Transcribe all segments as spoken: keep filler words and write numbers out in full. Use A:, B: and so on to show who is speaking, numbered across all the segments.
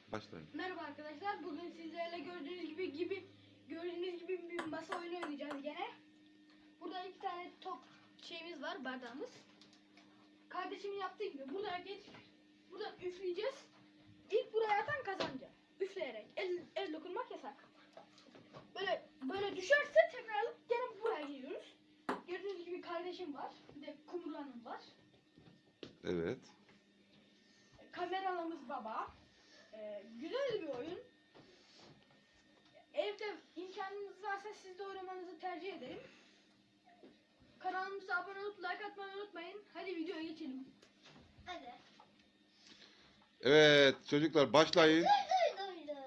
A: Başlayın.
B: Merhaba arkadaşlar. Bugün sizlerle gördüğünüz gibi gibi gördüğünüz gibi bir masa oyunu oynayacağız gene. Burada iki tane top şeyimiz var, bardağımız. Kardeşimin yaptığı gibi buradan geç, buradan üfleyeceğiz. İlk buraya atan kazanacak. Üfleyerek. El, el dokunmak yasak. Böyle böyle düşerse tekrar alıp gene buraya geliyoruz. Gördüğünüz gibi kardeşim var. Bir de Kumru Hanım var.
A: Evet.
B: Kameramız baba. Ee, güzel bir oyun. Evde imkanınız varsa siz de oynamanızı tercih ederim. Kanalımıza abone olup like atmayı unutmayın. Hadi videoya geçelim.
C: Hadi.
A: Evet çocuklar başlayın.
C: Duy duy duy.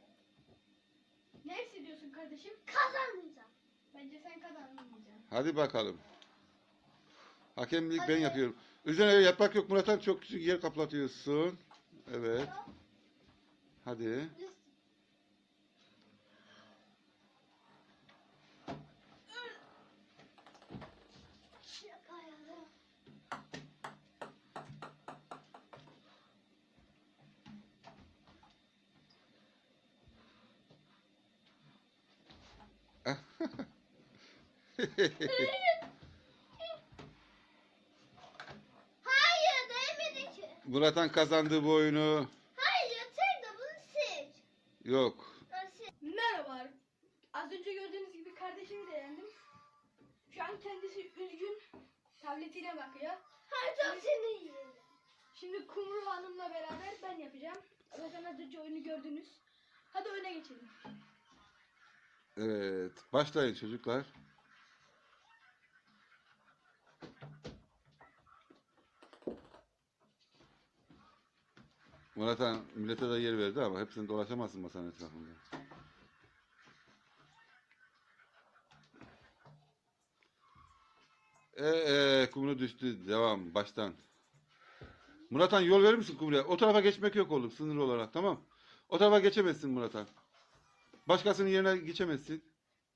B: Ne hissediyorsun kardeşim?
C: Kazanmayacağım.
B: Bence sen kazanmayacaksın.
A: Hadi bakalım. Hakemlik ben yapıyorum. Üzerine yaprak yok Murat abi, çok küçük yer kaplatıyorsun. Evet. Hadi.
C: Yapayalım. Hayır değmedi ki.
A: Murat'ın kazandığı bu oyunu
C: Hayır tek de bunu seç.
A: yok.
C: Nasıl?
B: Merhaba. Az önce gördüğünüz gibi kardeşimi de yendim. Şu an kendisi üzgün. Tabletiyle bakıyor.
C: Hayır çok seni yiyelim.
B: Şimdi Kumru Hanım'la beraber ben yapacağım. Zaten az önce oyunu gördünüz. Hadi öne geçelim.
A: Evet. Başlayın çocuklar. Murat'a millete de yer verdi ama hepsini dolaşamazsın masanın etrafında. Eee kumru düştü. Devam. Baştan. Murat'an yol verir misin kumruya? O tarafa geçmek yok oğlum sınır olarak, tamam. O tarafa geçemezsin Murat'an. Başkasının yerine geçemezsin.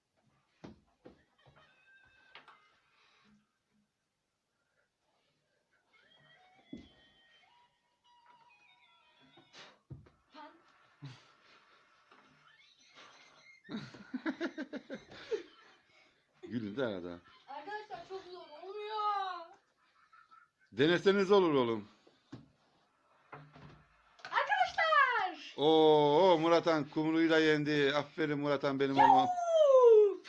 B: Tan.
A: Gülün de arada.
B: Arkadaşlar çok zor olmuyor.
A: Deneseniz olur oğlum.
B: Arkadaşlar.
A: Oo Murat'an kumruyu da yendi. Aferin Murat'an benim oğluma.
B: Yuuu.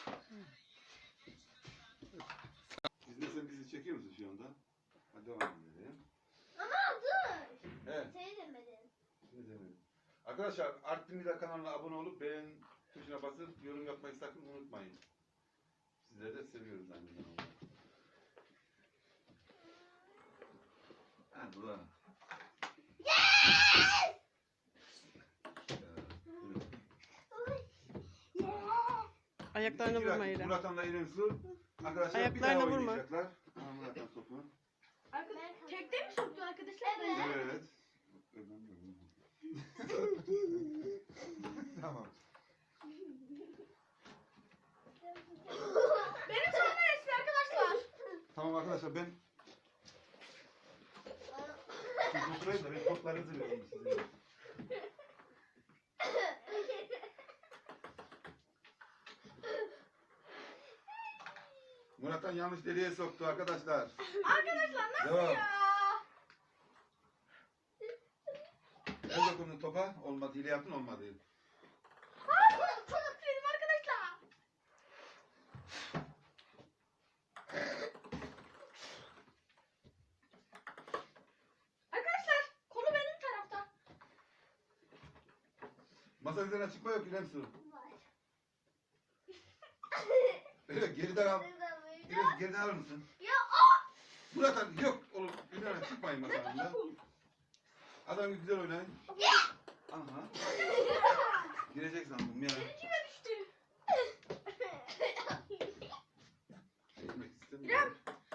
A: İzlesen bizi çekiyor musun şu anda? Hadi devam edelim.
C: Ama dur.
A: Evet.
C: Seni demedin.
A: Şimdi demedim. Arkadaşlar Artvin Vida kanalına abone olup beğen tuşuna basıp yorum yapmayı sakın unutmayın. Sizleri de seviyoruz aynı zamanda. Ha bu da.
C: Yes!
D: Ayaklarına vurma İrem.
A: Murat'an'la İrem Su. Arkadaşlar
D: Ayaklarına
A: bir daha
D: vurma.
A: oynayacaklar. Aha Murat'an topu.
B: Arkadaşlar tekte mi soktu arkadaşlar?
C: Evet.
A: Evet. Tamam.
B: Benim sonuna geçti arkadaşlar.
A: Tamam arkadaşlar ben siz oturayım da ben toplarınızı vereyim size. Murat'tan yanlış deliğe soktu arkadaşlar.
B: Arkadaşlar nasıl
A: Devam.
B: ya?
A: El dokunun topa, olmadı. Hile yaptın, olmadı.
B: Hayır, çok mutluyum arkadaşlar. Arkadaşlar konu benim tarafta.
A: Masa üzerine çıkma yok İrem Su.
C: Var.
A: Evet, geriden al.
C: Neden böyle?
A: İrem, geriden alır mısın?
C: Ya o.
A: Murat'tan yok oğlum. Üzerine çıkmayın masanın. Adam gibi güzel oynayın. Aha. Girecek sandım ya.
B: Kime düştü?
A: Gitmek istemiyorum.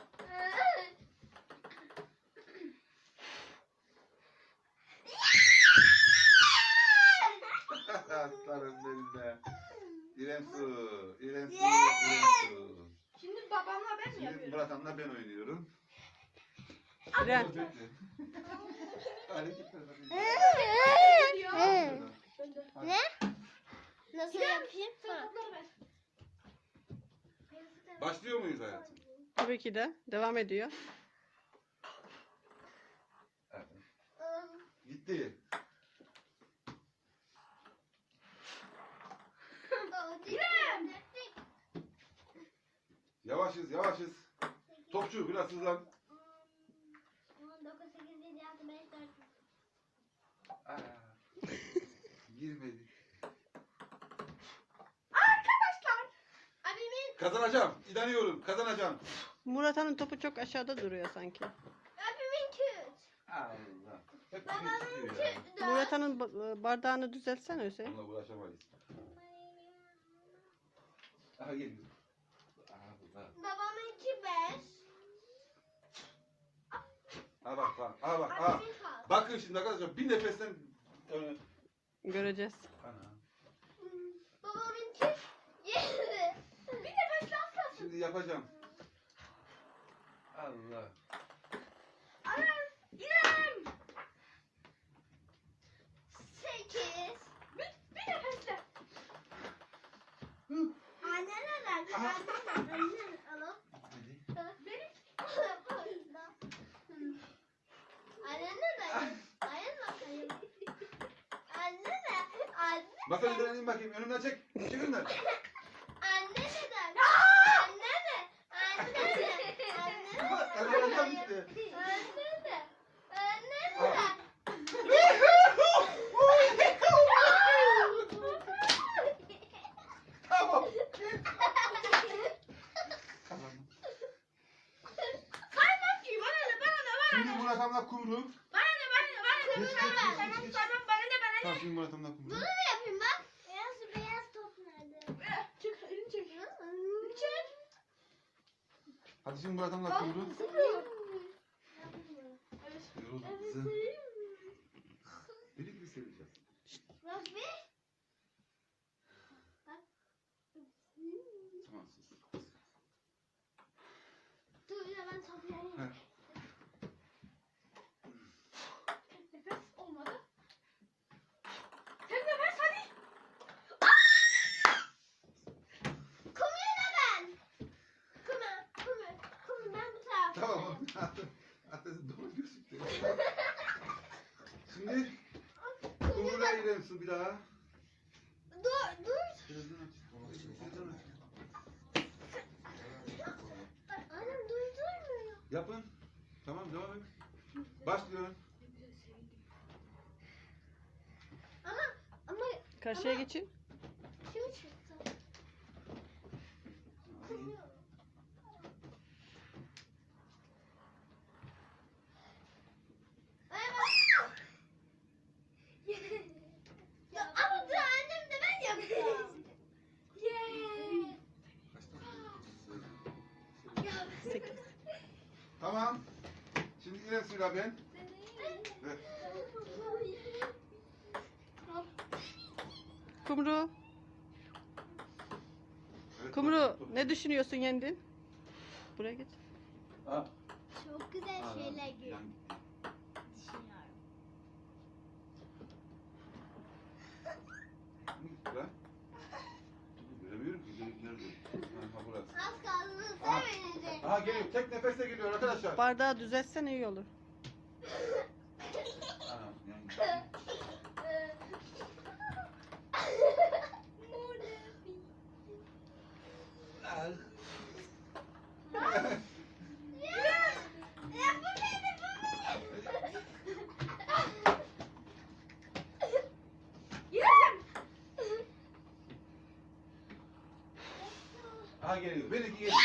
A: Aslanım benim de. İrem Su. İrem Su. İrem Su.
B: Şimdi babamla ben mi
A: Şimdi
B: yapıyorum?
A: Murat'an'la ben oynuyorum.
D: İrem.
A: Bekle. Hareketler bakayım.
B: Ne diyor?
A: muyuz hayatım?
D: Tabii ki de. Devam ediyor.
A: Evet. Gitti.
C: İrem.
A: Yavaşız yavaşız. Topçu biraz hızlan.
C: dokuz, sekiz, yedi, altı, beş, dört.
A: Aa, girmedi.
B: Arkadaşlar.
C: Abimin,
A: Kazanacağım. İnanıyorum. Kazanacağım.
D: Murat'ın topu çok aşağıda duruyor sanki.
C: abimin küt.
A: Allah. Hep
C: Babamın
A: bir çıkıyor ya.
C: küt.
D: Murat'ın ba- bardağını düzeltsene Hüseyin.
A: Onunla uğraşamayız. Aha geliyor. Allah.
C: Babamınki beş.
A: Ha bak bak. Ha bak. Ha.
C: Abimin kaldı.
A: Bakın şimdi arkadaşlar bir nefesten öne.
D: Göreceğiz.
A: Ana.
C: Babamınki yedi.
B: Bir nefes lazım.
A: Şimdi yapacağım. Allah.
B: Arar. İrem.
C: Sekiz.
B: Bir, bir nefesle.
A: Hı.
C: Annene ver.
A: Aha.
C: Annene. Annene. Alo.
A: Hadi.
B: Benim.
C: Annene ver. Annene bakayım. Annene. Anne.
A: Masa üzerine in bakayım. Önümden çek. Çek önümden.
C: Annene der. Annene. Annene.
A: Bak,
C: Annene.
A: kazanacağım işte.
C: Annene. Annene.
A: Al. Tamam. Kazandım.
B: Saymam ki. Bana ne bana ne bana
A: Şimdi
B: ne.
A: Murat Hamla kumru.
B: Bana ne bana ne bana ne.
A: Geç, geç,
B: Saymam
A: geç, geç, geç.
B: saymam bana ne bana
A: Tamam
B: ne.
A: şimdi Murat Hamla kumru.
C: Bunu mu yapayım bak? Beyaz beyaz top nerede?
B: Eh, Çek elini çek. Elini çek.
A: Hadi şimdi Murat Hamla kumru.
B: Sıkıyor. Evet.
A: Yoruldum kızım. Deli gibi seveceğiz.
C: Rabbi.
A: Tamam sus.
C: Dur ya ben topu yiyeyim.
A: Heh.
B: Nefes olmadı. Tek nefes hadi.
C: Kumuyla ben. Kumu. Kumu. Kumu ben bu tarafta.
A: Tamam. Atlasın doğru gözüktü. Şimdi kumruya girelim su bir daha.
C: Dur dur.
A: Birazdan aç. Birazdan aç.
C: Annem durdurmuyor.
A: Yapın. Tamam devam et. Başlıyorum.
C: Ama ama
D: Karşıya geçin.
C: kim çıktı? Kumu. Ay bak. Ya ama dur annem de ben yapacağım. Yeah. Ya
D: Sekiz.
A: Tamam. Şimdi İrem suyla ben. Evet.
D: Kumru.
A: Evet,
D: Kumru
A: top, top.
D: ne düşünüyorsun yendin? Buraya geç.
A: Ha.
C: Çok güzel
A: Aa,
C: şeyler
A: yan-
C: görüyorum.
A: Ben? Göremiyorum ki. Nerede? Ha burası.
C: Az kaldı
A: Aha.
C: sevinecek.
A: Aha geliyor. Tek nefeste geliyor arkadaşlar.
D: Bardağı düzeltsen iyi olur.
A: Aha, yani. Al.
C: Ya bu neydi bu neydi?
B: İrem.
A: Aha geliyor. Benimki geliyor.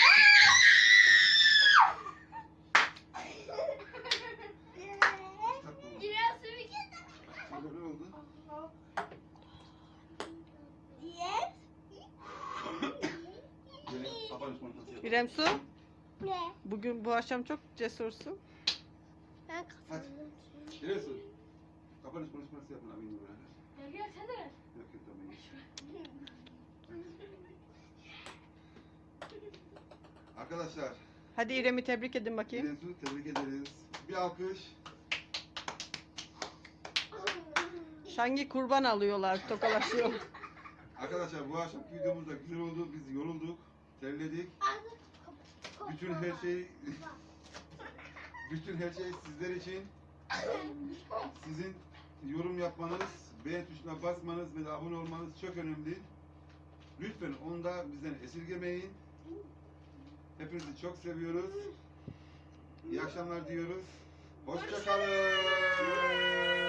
C: Biraz sürü getir.
A: Burada ne oldu?
C: Yes.
A: Böyle kapanış mantısı yapalım.
D: İrem Su,
C: Ne?
D: bugün bu akşam çok cesursun.
C: Ben
A: Hadi.
C: kazandım.
A: İrem su. Kapanış konuşması yapın abi. Yok
B: Gel gel sen de ver.
A: yok tamam. Arkadaşlar.
D: Hadi İrem'i tebrik edin bakayım.
A: İrem su tebrik ederiz. Bir alkış.
D: Şangi kurban alıyorlar, tokalaşıyor.
A: Arkadaşlar bu akşamki videomuz da güzel oldu. Biz yorulduk. Terledik.
C: Artık
A: bütün her şey bütün her şey sizler için. Sizin yorum yapmanız, beğen tuşuna basmanız ve de abone olmanız çok önemli. Lütfen onu da bizden esirgemeyin. Hepinizi çok seviyoruz. İyi akşamlar diyoruz. Hoşça kalın.